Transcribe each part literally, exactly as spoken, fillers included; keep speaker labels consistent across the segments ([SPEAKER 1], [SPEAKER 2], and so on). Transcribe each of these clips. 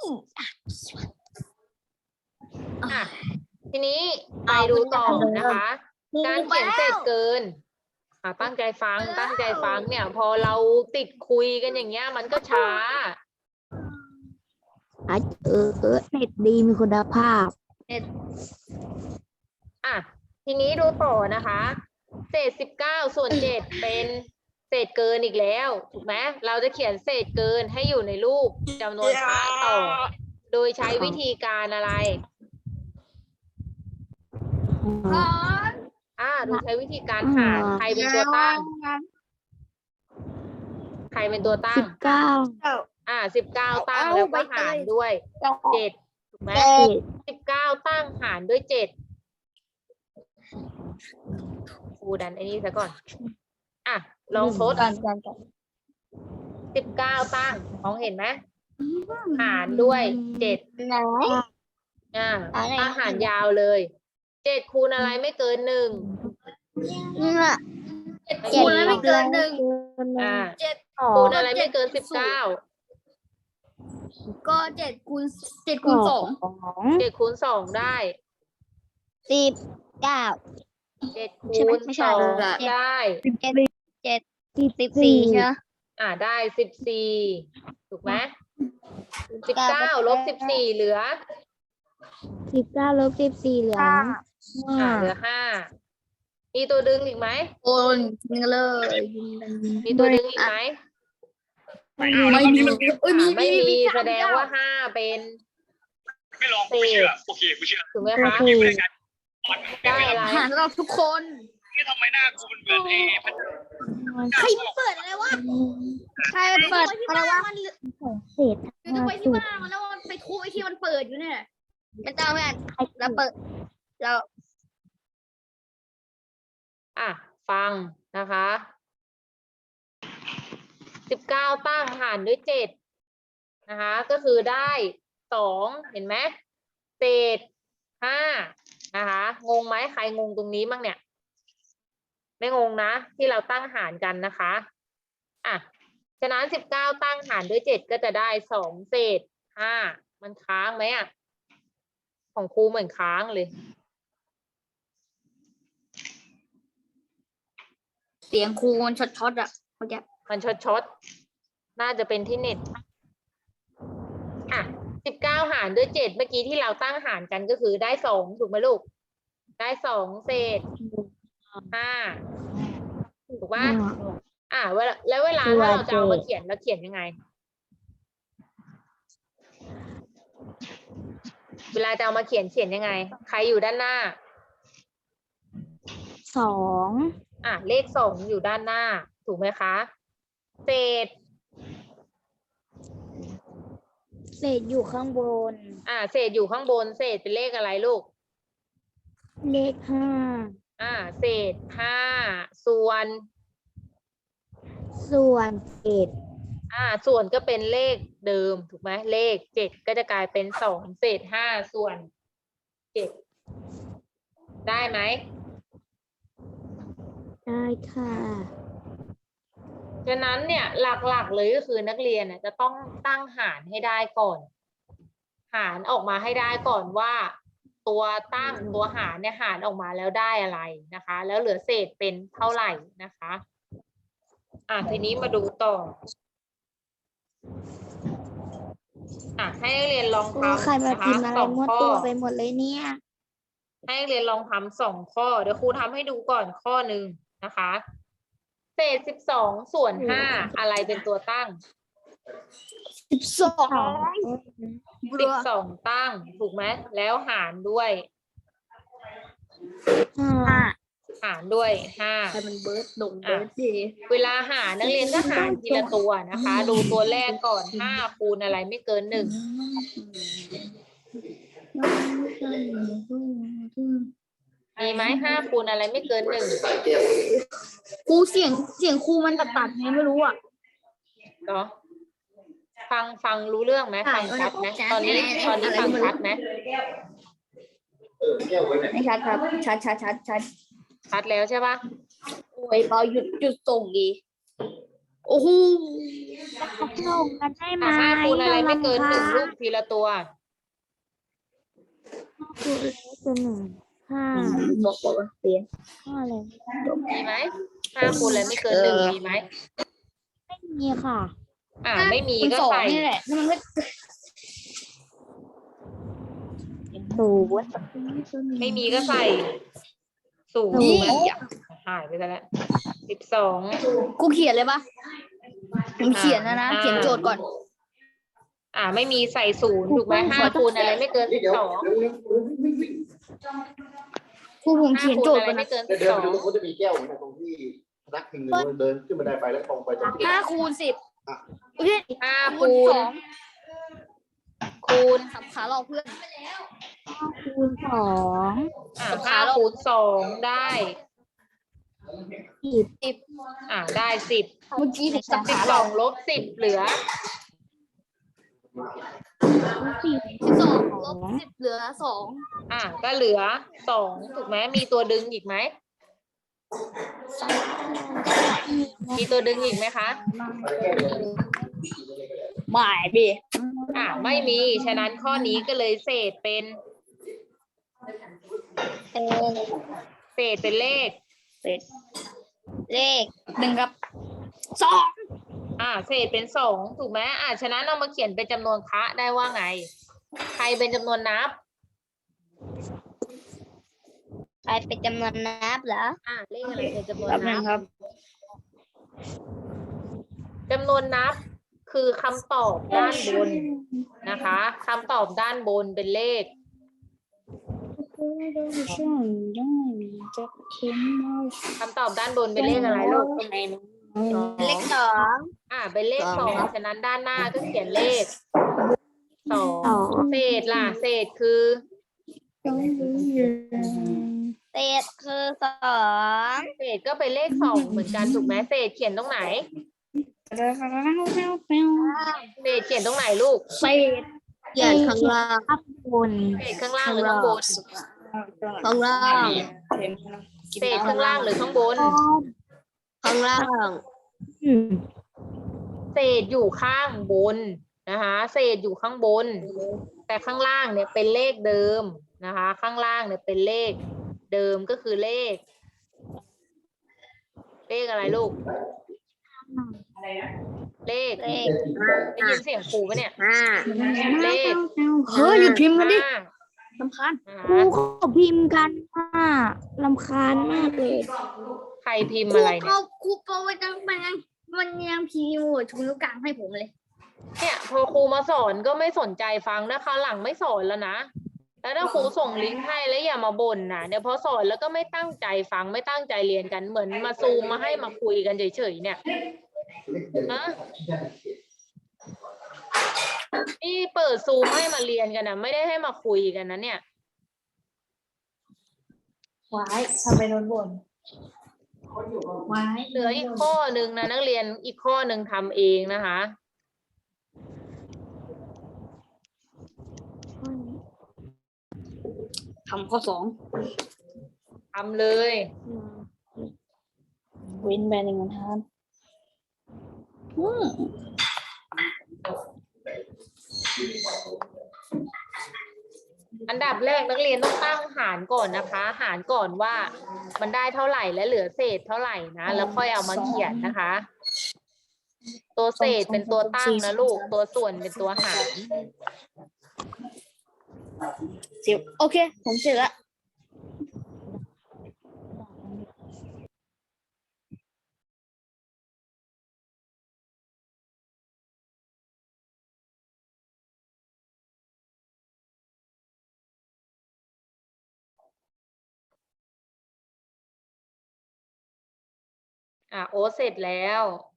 [SPEAKER 1] อ่ะทีนี้ไปดูต่อนะคะ การเขียนเศษเกินอ่ะตั้งใจฟังตั้งใจฟังเนี่ย พอเราติดคุยกันอย่างเงี้ย มันก็ช้า
[SPEAKER 2] เออเออเน็ตดีมีคุณภาพ
[SPEAKER 1] อ่ะทีนี้ดูต่อนะคะ เศษสิบเก้าส่วนเจ็ดเป็นเศษเกินอีกแล้วถูกไหมเราจะเขียนเศษเกินให้อยู่ในรูปจำนวนพระต่อ โดยใช้วิธีการอะไร อ่าโดยใช้วิธีการหารใครเป็นตัวตั้ง ใครเป็นตัวตั้ง
[SPEAKER 2] สิบเก้า
[SPEAKER 1] อ่าสิบเก้าตั้งแล้วก็หารด้วยเจ็ดถูกไหมสิบเก้าตั้งหารด้วยเจ็ดครูดันไอ้นี่ซะก่อน อ่ะลองทดสิบเก้าตั้งมองเห็นไหมหารด้วยเจ็ดอ่าตั้งหารยาวเลยเจ็ดคูณอะไรไม่เกินหนึ่ง
[SPEAKER 3] เจ็ดคูณแล้วไม่เกินหนึ่ง
[SPEAKER 1] อ่า
[SPEAKER 3] เจ็ด
[SPEAKER 1] คูณอะไรไม่เกินสิบเก้า
[SPEAKER 3] ก็เจ็ดคูณเจ็ดคูณสอง
[SPEAKER 1] เจ็ดคูณสองได้
[SPEAKER 2] สิบเก้า
[SPEAKER 1] เจ็ด
[SPEAKER 2] ใช่
[SPEAKER 1] คู
[SPEAKER 2] ไหม
[SPEAKER 1] ณ
[SPEAKER 2] ไม่
[SPEAKER 1] ส
[SPEAKER 2] ใช่
[SPEAKER 1] อง
[SPEAKER 2] ละ
[SPEAKER 1] ได้
[SPEAKER 3] เจ็ดเจ็ดสิบสี่ใช่ไหม
[SPEAKER 1] อ่าได้สิบสี่ถูกไหมสิบเก้าลบสิบสี่เหลือ
[SPEAKER 2] สิบเก้าลบสิบสี่เหลือ
[SPEAKER 1] อ่าเหลือห้ามีตัวดึงอีกไหม
[SPEAKER 3] โอนยิงเลย
[SPEAKER 1] มีตัวดึงอีกไหม
[SPEAKER 3] ไม่มีเอ้ย
[SPEAKER 1] อ่า
[SPEAKER 3] มี
[SPEAKER 1] ไม่มี
[SPEAKER 3] มี
[SPEAKER 1] แสดงว่าห้าเป็น
[SPEAKER 4] ไม่ลองกูไม่เชื่อโอเคกูเชื่อ
[SPEAKER 1] ถูกไหมคะ
[SPEAKER 4] ไม่ได้กันมัน
[SPEAKER 1] ได้อะไร
[SPEAKER 3] หารเราทุกคน
[SPEAKER 4] นี่ทำไมหน้ากูมันเหมือนไอ้พัน
[SPEAKER 3] ใครเปิดอะไรวะใครเปิดอะไรวะมัน
[SPEAKER 2] เศษ
[SPEAKER 3] คือต้องไปที่บ้านมันแล้วมันไปทุบไอ้ที่มันเปิดอยู่เนี่ยไม่ต้องแม่เราเปิดเรา
[SPEAKER 1] อ่ะฟังนะคะสิบเก้าตั้งหารด้วยเจ็ดนะคะ ก็คือได้สองเห็นไหมเศษห้านะคะงงไหมใครงงตรงนี้บ้างเนี่ย ไม่งงนะที่เราตั้งหารกันนะคะอ่ะฉะนั้นสิบเก้าตั้งหารด้วยเจ็ดก็จะได้สองเศษห้ามันค้างไหมอ่ะของครูเหมือนค้างเลย
[SPEAKER 3] เสียงครูมันช็อตๆอ่ะเมื่อกี้
[SPEAKER 1] มันช็อตช็อตน่าจะเป็นที่เน็ตอ่ะสิบเก้าหารด้วยเจ็ดเมื่อกี้ที่เราตั้งหารกันก็คือได้สองถูกไหมลูกได้สองเศษห้าถูกป่ะอ่ะเวลาแล้วเวลาถ้าเราจะเอามาเขียนเราเขียนยังไง เวลาจะเอามาเขียนเขียนยังไง ใครอยู่ด้านหน้า
[SPEAKER 2] สอง
[SPEAKER 1] อ่ะเลขสองอยู่ด้านหน้า ถูกไหมคะ เศษ
[SPEAKER 2] เศษอยู่ข้างบน
[SPEAKER 1] อ่ะเศษอยู่ข้างบน เศษเป็นเลขอะไรลูก
[SPEAKER 2] เลขห้า
[SPEAKER 1] อ่าเศษห้าส่วน
[SPEAKER 2] ส่วนเศษ
[SPEAKER 1] อ่าส่วนก็เป็นเลขเดิมถูกไหมเลขเจ็ดก็จะกลายเป็นสองเศษห้าส่วนเจ็ดได้ไหม
[SPEAKER 2] ได้ค่ะ
[SPEAKER 1] ฉะนั้นเนี่ยหลักๆเลยก็คือนักเรียนน่ะจะต้องตั้งหารให้ได้ก่อน หารออกมาให้ได้ก่อนว่า ตัวตั้งตัวหารเนี่ยหารออกมาแล้วได้อะไรนะคะ แล้วเหลือเศษเป็นเท่าไหร่นะคะ อ่ะทีนี้มาดูต่อ อ่ะให้นักเรียนลองทำ
[SPEAKER 2] ใครมา
[SPEAKER 1] นะ
[SPEAKER 2] พิ
[SPEAKER 1] คะ
[SPEAKER 2] มพ์อะไร
[SPEAKER 1] สอง
[SPEAKER 2] มั่ว
[SPEAKER 1] ข้อ
[SPEAKER 2] ตัวไปหมดเลยเนี่ย
[SPEAKER 1] ให้นักเรียนลองทำสองข้อเดี๋ยวครูทำให้ดูก่อนข้อหนึ่งนะคะ เศษสิบสองส่วนห้าอะไรเป็นตัวตั้ง
[SPEAKER 3] สิบสอง
[SPEAKER 1] สิบสองตั้งถูกไหมแล้วหารด้วย
[SPEAKER 2] ห้า
[SPEAKER 1] หารด้วยห้า
[SPEAKER 3] ใครมันเบิร์ดดงเบิร์ดดี
[SPEAKER 1] เวลาหารนักเรียนก็หารทีละตัวนะคะ ดูตัวแรกก่อนห้าคูณอะไรไม่เกินหนึ่งมีไหมห้าคูณอะไรไม่เกินหนึ่ง
[SPEAKER 3] ครูเสียงเสียงครูมันตัดตัดไงไม่รู้อ่ะ
[SPEAKER 1] เนาะฟังฟังรู้เรื่องไหมฟังชัดไหมตอนนี้ตอนนี้ฟังชัดไหม
[SPEAKER 3] ไม่ชัดครับชัดชัดชัดชัด
[SPEAKER 1] ชัดแล้วใช่ปะ
[SPEAKER 3] โอ้ยเปาหยุดหยุดส่งดีโอ้โห
[SPEAKER 2] ส่งกันได้ไหม
[SPEAKER 1] อ่ะห้าคูณอะไรไม่เกินหนึ่งลูกทีละตัว
[SPEAKER 2] คูณอะไรตัวหนึ่งห้า
[SPEAKER 3] บอกบอกว่าเปลี่ยน
[SPEAKER 2] ห้าอะไร
[SPEAKER 1] มีไหมห้าคูณอะไรไม่เกินหนึ่งมีไหม
[SPEAKER 2] ไม่มีค่ะ
[SPEAKER 1] อ่าไม่มี
[SPEAKER 3] มัน
[SPEAKER 1] ก็
[SPEAKER 3] สอง
[SPEAKER 1] ใส่
[SPEAKER 3] นี่แหละแล้วมันก็
[SPEAKER 2] ศูนย์
[SPEAKER 1] ไม่มีก็ใส่ศูนย์
[SPEAKER 3] นี่
[SPEAKER 1] หายไปซะแล้วสิบสอง
[SPEAKER 3] กูเขียนเลยปะผมเขียนแล้วนะ เขียนโจทย์ก่อน
[SPEAKER 1] อ่าไม่มีใส่ศูนย์ถูกไหมห้าคูณอะไรไม่เกินสิบสอง
[SPEAKER 3] ครูผม
[SPEAKER 1] ห้า
[SPEAKER 3] เขียน
[SPEAKER 1] คู
[SPEAKER 3] โจ
[SPEAKER 1] ณ
[SPEAKER 3] ทย์
[SPEAKER 1] อะไร
[SPEAKER 3] ก่อน
[SPEAKER 1] ไม่
[SPEAKER 3] นะ
[SPEAKER 1] เกิน
[SPEAKER 5] เดิ
[SPEAKER 1] สิบสอง
[SPEAKER 5] นไปตรงนู้นจะมีแก้วนะตรงที่พนักพิงเดินขึ้นบันไดไปแล้วตรงไปตรงที่
[SPEAKER 3] ห้าคูณสิบโอเค
[SPEAKER 1] ห้า
[SPEAKER 3] คูณ
[SPEAKER 1] คู
[SPEAKER 3] ส
[SPEAKER 1] ณ
[SPEAKER 3] อง
[SPEAKER 1] คูณ
[SPEAKER 3] สับขาหลอกเพื่อน
[SPEAKER 2] ห้าคูณสอง
[SPEAKER 1] อ่าห้าคูณสองได้
[SPEAKER 2] สิบ
[SPEAKER 3] สิบ
[SPEAKER 1] อ่าได้สิบ
[SPEAKER 3] เมื่อกี้ผมสับ
[SPEAKER 1] สิบ
[SPEAKER 3] ขาห
[SPEAKER 1] ส
[SPEAKER 3] ล
[SPEAKER 1] อ
[SPEAKER 3] อก
[SPEAKER 1] งลบสิบเหลือ
[SPEAKER 2] สิบ
[SPEAKER 3] สิบสองลบสิบเหลือสอง
[SPEAKER 1] อ่าก็เหลือสองถูกไหมมีตัวดึงอีกไหมมีตัวดึงอีกไหมคะ
[SPEAKER 3] หมายดิ
[SPEAKER 1] อ่าไม่มีฉะนั้นข้อนี้ก็เลยเศษเป็น
[SPEAKER 3] เป็น
[SPEAKER 1] เศษเป็นเลข
[SPEAKER 3] เลขหนึ่งกับสอง
[SPEAKER 1] อ่าเศษเป็นสองถูกไหมอ่าฉะนั้นเรามาเขียนเป็นจำนวนคะได้ว่าไง ใครเป็นจำนวนนับ
[SPEAKER 3] ใครเป็นจำนวนนับเหรอ
[SPEAKER 1] อ่าเลขอะไรเป็นจำนวน
[SPEAKER 3] แป๊บนึ
[SPEAKER 1] นั
[SPEAKER 3] ง
[SPEAKER 1] บ
[SPEAKER 3] ครับ
[SPEAKER 1] จำนวนนับคือคำตอบด้านบนนะคะคำตอบด้านบนเป็นเลข คำตอบด้านบนเป็นเลขอะไรลูก
[SPEAKER 3] เลขสอง
[SPEAKER 1] อ่าเป็นเลขสองฉะนั้นด้านหน้าก็เขียนเลขสอง
[SPEAKER 2] สอง
[SPEAKER 1] เศษล่ะเศษคือ
[SPEAKER 3] เศษคือสอง
[SPEAKER 1] เศษก็เป็นเลขสองเหมือนกันถูกไหมเศษเขียนตรงไหนเศษเขียนตรงไหนลูก
[SPEAKER 3] เศษเขียนข้างล่าง
[SPEAKER 2] ข้างบน
[SPEAKER 1] เศษข้างล่างหรือข้างบน
[SPEAKER 3] ข้างล่าง
[SPEAKER 1] เศษข้างล่างหรือข้างบน
[SPEAKER 3] ข้างล่าง
[SPEAKER 2] อืม
[SPEAKER 1] เศษอยู่ข้างบนนะคะเศษอยู่ข้างบน แต่ข้างล่างเนี่ยเป็นเลขเดิมนะคะ ข้างล่างเนี่ยเป็นเลขเดิมก็คือเลข เลขอะไรลูก เลข
[SPEAKER 3] เลข
[SPEAKER 1] ได้ยินเสียงครูปะเนี่ย
[SPEAKER 3] ห้า
[SPEAKER 1] เลข
[SPEAKER 3] เฮ้ยหยุดพิมพ์มาดิ
[SPEAKER 1] ห้า
[SPEAKER 3] สำคัญ
[SPEAKER 1] นะ
[SPEAKER 2] ครู
[SPEAKER 1] คะ
[SPEAKER 2] ขอพิมพ์กันค่ะรำคาญมากเลย
[SPEAKER 1] ใครพิมพ์
[SPEAKER 3] ครู
[SPEAKER 1] อะไร
[SPEAKER 3] โป
[SPEAKER 1] เนี่ย
[SPEAKER 3] ครูโปรไว้จังมันยังมันยังพิมพ์ชูนิ้วกลางให้ผมเลย
[SPEAKER 1] เนี่ยพอครูมาสอนก็ไม่สนใจฟังนะคราวหลังไม่สอนแล้วนะ แล้วถ้าครูส่งลิงก์ให้แล้วอย่ามาบ่นนะเดี๋ยวพอสอนแล้วก็ไม่ตั้งใจฟังไม่ตั้งใจเรียนกันเหมือนมาซูมมาให้มาคุยกันเฉยๆเนี่ยนะนี่เปิดซูมให้มาเรียนกันนะไม่ได้ให้มาคุยกันนะเนี่ย
[SPEAKER 6] ไว้ทำไปโดนบ่นไว้
[SPEAKER 1] เหลืออีกข้อหนึ่งนะนักเรียนอีกข้อหนึ่งทำเองนะคะ
[SPEAKER 3] ทำข้อสอง
[SPEAKER 1] ทำเลย
[SPEAKER 6] วินแบนหนึ่งทานอืม
[SPEAKER 1] อันดับแรกนักเรียนต้องตั้งหารก่อนนะคะ หารก่อนว่ามันได้เท่าไหร่และเหลือเศษเท่าไหร่นะแล้วค่อยเอามาเขียนนะคะ ตัวเศษเป็นตัวตั้งนะลูกตัวส่วนเป็นตัวหาร
[SPEAKER 3] สิบโอเค ผมเสร็จละ
[SPEAKER 1] อ่ะโอ้เสร็จแล้ว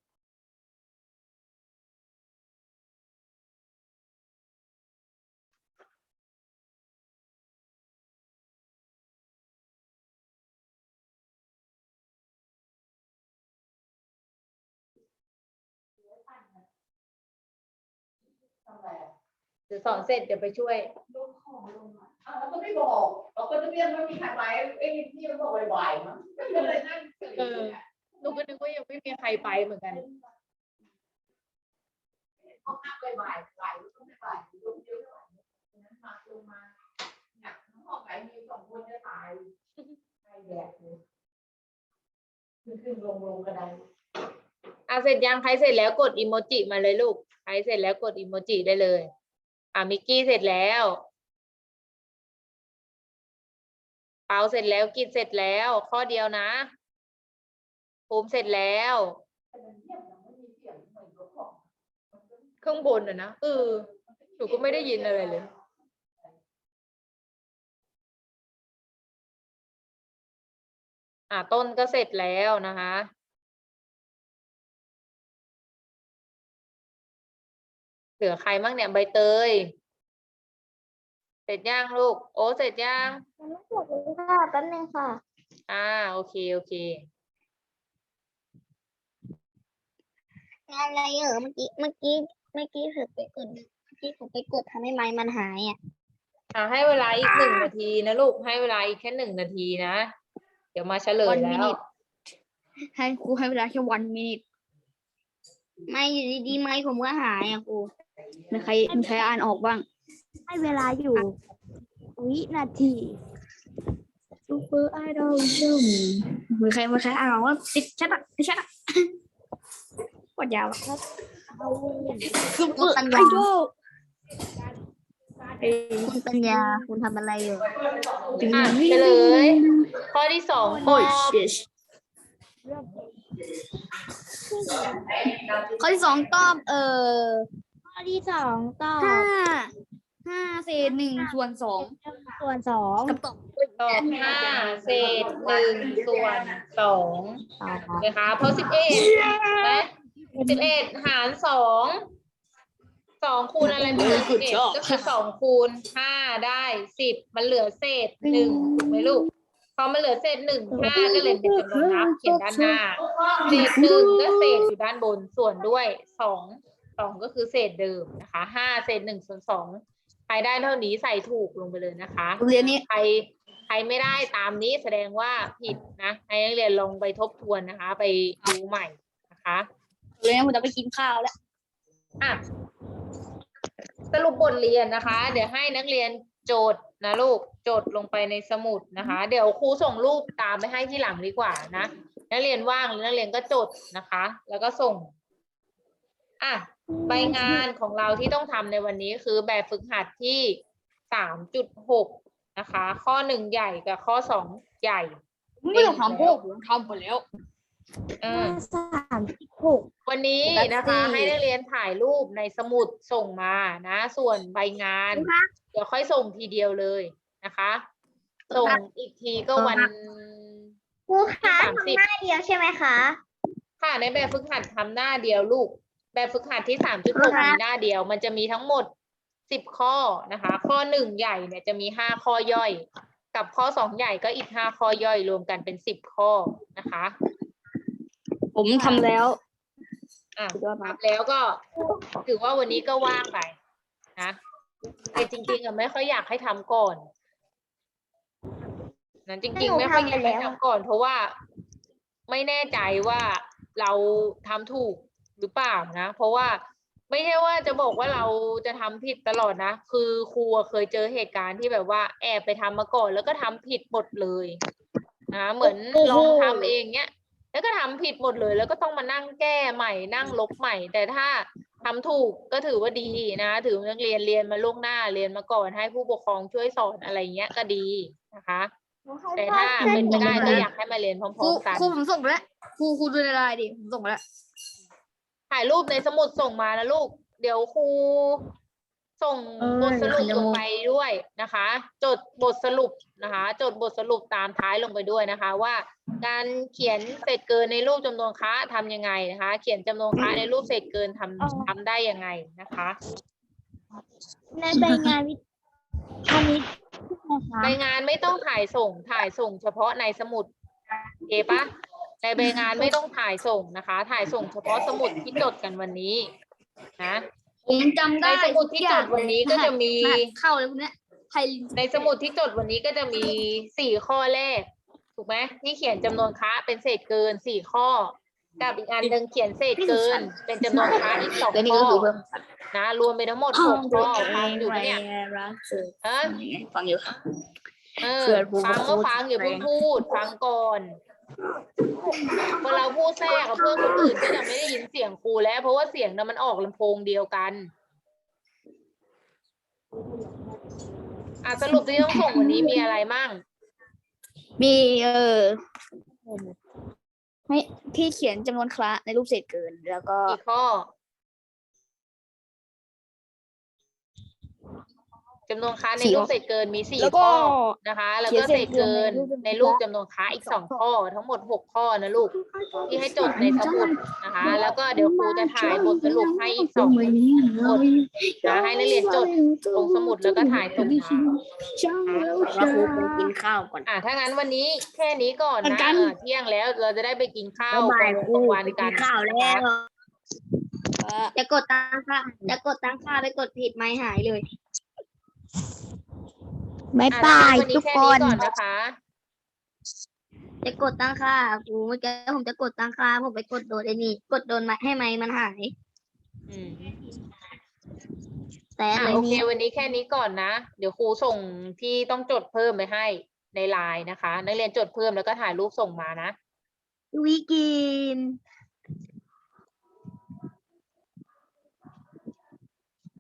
[SPEAKER 1] เดี๋ยวสอนเสร็จเดี๋ยวไปช่วย
[SPEAKER 7] อ้าวเราก็ไม่บอกเราก็จะเรียกว่ามีใครไปเอ้ยนี่มันบอกบ่ายๆมั้งก็เลยนั่ง
[SPEAKER 1] เออหนูก็นึกว่ายังไม่มีใครไปเหมือนกัน
[SPEAKER 7] ห้องน้ำบ่ายๆบ่ายๆต้องไปบ่ายๆยกเยอะบ่ายๆนั้นมาลงมาเนี่ยห้องไหนมีสองคนจะตายไอ้แดดเลยขึ้นขึ้นลงลงกระได
[SPEAKER 1] อ่ะเสร็จยังใครเสร็จแล้วกดอีโมจิมาเลยลูกใครเสร็จแล้วกดอีโมจิได้เลยอ่ะมิกกี้เสร็จแล้วเปาเสร็จแล้วกิจเสร็จแล้วข้อเดียวนะภูมิเสร็จแล้วข้างบนอ่ะนะเออหนูก็ไม่ได้ยินอะไรเลยอ่ะต้นก็เสร็จแล้วนะคะเหลือใครบ้างเนี่ยใบเตยเสร็จยังลูกโอ้เสร็จยัง
[SPEAKER 2] ยังไม่จบเลยค่ะแป๊บนึงค่ะ
[SPEAKER 1] อ่าโอเคโอเค
[SPEAKER 3] งานอะไรเหรอเมื่อกี้เมื่อกี้เมื่อกี้เถือไปกดเมื่อกี้ผมไปกดทำให้ไม้มันหายอ่ะ
[SPEAKER 1] อ่าให้เวลาอีกหนึ่งนาทีนะลูกให้เวลาอีกแค่หนึ่งนาทีนะเดี๋ยวมาเฉลย
[SPEAKER 3] One
[SPEAKER 1] แล้ว
[SPEAKER 3] minute ให้ครูให้เวลาแค่วันมินิทไม่อยู่ดีๆไม้ผมก็หายอ่ะครูมีใครมีใครอ่านออกบ้าง
[SPEAKER 2] ให้เวลาอยู่วินาทีซูเปอร์ไอดอลชุ่ม
[SPEAKER 3] มีใครมีใครอ่านออกว่าติดชัดอ่ะติดชัดอ่ะปวดยาวอ่ะ
[SPEAKER 2] ซูเปอร์
[SPEAKER 3] ปัญ
[SPEAKER 2] ไอ
[SPEAKER 3] ญา
[SPEAKER 2] ดอล
[SPEAKER 3] คุณปัญญาคุณทำอะไรอยู่
[SPEAKER 1] อ่ะเฉลยข้อที่สองต
[SPEAKER 3] โอ้
[SPEAKER 1] อย บ
[SPEAKER 3] ชิชข้อที่สองตอบเอ่อ
[SPEAKER 2] ข้อที่สองตอบ
[SPEAKER 3] ห้าห้าเศษหนึ่งส่วนสอง
[SPEAKER 2] ส่วนสอง
[SPEAKER 3] กับตอบ
[SPEAKER 1] ตอบห้าเศษหนึ่งส่วนสองนะคะเพราะสิบเอ็ดนะสิบเอ็ดหารสองสองคูณอะไรไม่เหลือสิบเอ็ดก็คือสองคูณห้าได้สิบมันเหลือเศษหนึ่งถูกไหมลูกพอมันเหลือเศษหนึ่งห้าก็เลยเป็นจำนวนนับเขียนด้านหน้าเศษหนึ่งก็เศษอยู่ด้านบนส่วนด้วยสองสองก็คือเศษเดิมนะคะห้าเศษหนึ่งส่วนสองใครได้เท่านี้ใส่ถูกลงไปเลยนะคะ
[SPEAKER 3] เรียนนี้
[SPEAKER 1] ใครใครไม่ได้ตามนี้แสดงว่าผิดนะให้นักเรียนลงไปทบทวนนะคะ ไปดูใหม่นะคะ
[SPEAKER 3] เรียนผมจะไปกินข้าวแล้ว
[SPEAKER 1] อ่ะสรุปบทเรียนนะคะ เดี๋ยวให้นักเรียนโจทย์นะลูกโจทย์ลงไปในสมุดนะคะ เดี๋ยวครูส่งรูปตามไปให้ที่หลังดีกว่านะนักเรียนว่างหรือนักเรียนก็จดนะคะ แล้วก็ส่งอ่ะใบงานของเราที่ต้องทำในวันนี้คือแบบฝึกหัดที่สามจุดหกนะคะ ข้อหนึ่งใหญ่กับข้อสองใหญ่
[SPEAKER 3] ไม่ต้องทำพวกผมทำไปแล้ว
[SPEAKER 1] เออ
[SPEAKER 2] สามสิบหก
[SPEAKER 1] วันนี้นะคะ ให้นักเรียนถ่ายรูปในสมุดส่งมานะ ส่วนใบงาน เดี๋ยวค่อยส่งทีเดียวเลยนะคะ ส่งอีกทีก็วัน
[SPEAKER 3] ครูคะ
[SPEAKER 1] สามสิบ
[SPEAKER 3] หน้าเดียวใช่ไหมคะ
[SPEAKER 1] ค่ะในแบบฝึกหัดทำหน้าเดียวลูก แบบฝึกหัดที่สามจุดหกมีหน้าเดียว มันจะมีทั้งหมดสิบข้อนะคะ ข้อหนึ่งใหญ่เนี่ยจะมีห้าข้อย่อย กับข้อสองใหญ่ก็อีกห้าข้อย่อยรวมกันเป็นสิบข้อนะคะ
[SPEAKER 3] ผมทำแล้ว
[SPEAKER 1] อ่ะ
[SPEAKER 3] สุดยอดมาก
[SPEAKER 1] ทำแล้วก็ถือว่าวันนี้ก็ว่างไปนะแต่จริงๆอ่ะไม่ค่อยอยากให้ทำก่อนนั้นจริงๆ ไม่ค่อยอยากให้ทำก่อน เพราะว่าไม่แน่ใจว่าเราทำถูกหรือเปล่านะ เพราะว่าไม่ใช่ว่าจะบอกว่าเราจะทำผิดตลอดนะ คือครูเคยเจอเหตุการณ์ที่แบบว่าแอบไปทำมาก่อน แล้วก็ทำผิดหมดเลยนะเหมือนลองทำเองเนี้ย แล้วก็ทำผิดหมดเลย แล้วก็ต้องมานั่งแก้ใหม่นั่งลบใหม่ แต่ถ้าทำถูกก็ถือว่าดีนะถือนักเรียนเรียนมาล่วงหน้าเรียนมาก่อนให้ผู้ปกครองช่วยสอนอะไรเงี้ยก็ดีนะคะ แต่ถ้าเป็นไปได้ก็อยากให้มาเรียนพ
[SPEAKER 3] ครู
[SPEAKER 1] ร้อมๆกัน
[SPEAKER 3] ครูผมส่งไปแล้วครูครูดูในไลน์ดิผมส่งไปแล้ว
[SPEAKER 1] ถ่ายรูปในสมุดส่งมานะลูก เดี๋ยวครูส่งบทสรุปลงไปด้วยนะคะ จดบทสรุปนะคะ จดบทสรุปตามท้ายลงไปด้วยนะคะ ว่าการเขียนเศษเกินในรูปจำนวนค้าทำยังไงนะคะ เขียนจำนวนค้าในรูปเศษเกินทำทำได้ยังไงนะคะ
[SPEAKER 2] ในใบงานวิคณิตนะคะ
[SPEAKER 1] ใบงานไม่ต้องถ่ายส่งถ่ายส่งเฉพาะในสมุดโอเคปะในใบงานไม่ต้องถ่ายส่งนะคะ ถ่ายส่งเฉพาะสมุดที่จดกันวันนี้นะ
[SPEAKER 3] ผมจำได้
[SPEAKER 1] ในสมุดที่จดวันนี้ก็จะมี
[SPEAKER 3] รหัสเข้าเลยพวกเนี้ยไทย
[SPEAKER 1] ในสมุดที่จดวันนี้ก็จะมีสี่ข้อแรกถูกไหมที่เขียนจำนวนค้าเป็นเศษเกินสี่ข้อกับอีกอันหนึ่งเขียนเศษเกิน เป็นจำนวนค้าอีกสอง
[SPEAKER 3] แล้วนี่
[SPEAKER 1] ข้
[SPEAKER 3] ก็
[SPEAKER 1] อ
[SPEAKER 3] คือเพิ่ม
[SPEAKER 1] นะรวมเป็นทั้งหมดหกข้อฟังอยู่ปะเนี่ยฮะ
[SPEAKER 3] ฟังอยู่ค่ะ
[SPEAKER 1] เออ
[SPEAKER 3] เพื่อนพูด
[SPEAKER 1] ฟังก็ฟังอย่าเพิ่งพูด ฟังก่อนพอเราพูดแทรกกับเพื่อนคนอื่นก็จะไม่ได้ยินเสียงครูแล้ว เพราะว่าเสียงนั้นมันออกลำโพงเดียวกันอ่ะสรุปที่ต้องส่งวันนี้มีอะไรมั่ง
[SPEAKER 3] มีเออให้พี่เขียนจำนวนคละในรูปเศษเกิน แล้วก็
[SPEAKER 1] กี่ข้อจำนวนค้าใน
[SPEAKER 3] สี่
[SPEAKER 1] รูปเศษเกินมีสี่
[SPEAKER 3] แล้วก็
[SPEAKER 1] ข้อนะคะ แล้วก็
[SPEAKER 3] เขี
[SPEAKER 1] เศ
[SPEAKER 3] ยน
[SPEAKER 1] ษ
[SPEAKER 3] เศษเกิ
[SPEAKER 1] เกิน
[SPEAKER 3] น
[SPEAKER 1] ในรูปจำนวนค้าอีกสองข้อ ทั้งหมดหกข้อนะลูกที่ให้จดในสมุดนะคะ แล้วก็เดี๋ยวครูจะถ่ายบทสรุปให้อีกสองบทนะให้นักเรียนจดลงสมุดแล้วก็ถ่ายส่งมา
[SPEAKER 3] ว่าครูไปกินข้าวก่อน
[SPEAKER 1] อ่ะถ้างั้นวันนี้แค่นี้ก่อน
[SPEAKER 3] เหมือ
[SPEAKER 1] นะ
[SPEAKER 3] นกัน
[SPEAKER 1] เออเที่ยงแล้วเราจะได้ไปกินข้าว
[SPEAKER 3] บ่าย
[SPEAKER 1] กลางวันกัน
[SPEAKER 3] ข้าว
[SPEAKER 1] นะ
[SPEAKER 3] แล้
[SPEAKER 1] คะ
[SPEAKER 3] วจะกดตังค่าจะกดตังค่าไปกดผิดไม่หายเลย
[SPEAKER 2] บาย
[SPEAKER 1] อ่ะ
[SPEAKER 2] บาย
[SPEAKER 1] วันนี้
[SPEAKER 2] ทุก
[SPEAKER 1] แค่
[SPEAKER 2] ค
[SPEAKER 1] นี้
[SPEAKER 2] น
[SPEAKER 1] ก่อนนะคะ
[SPEAKER 3] จะกดตั้งค่าครูเมื่อกี้ผมจะกดตั้งค่าผมไปกดโดนไอ้นี่กดโดนมาให้ไม้มันหาย
[SPEAKER 1] อืม
[SPEAKER 3] แต่
[SPEAKER 1] อ่ะ
[SPEAKER 3] อะไร
[SPEAKER 1] โอเค
[SPEAKER 3] นี้
[SPEAKER 1] วันนี้แค่นี้ก่อนนะ เดี๋ยวครูส่งที่ต้องจดเพิ่มไปให้ในไลน์นะคะ นักเรียนจดเพิ่มแล้วก็ถ่ายรูปส่งมานะ
[SPEAKER 3] วิกิน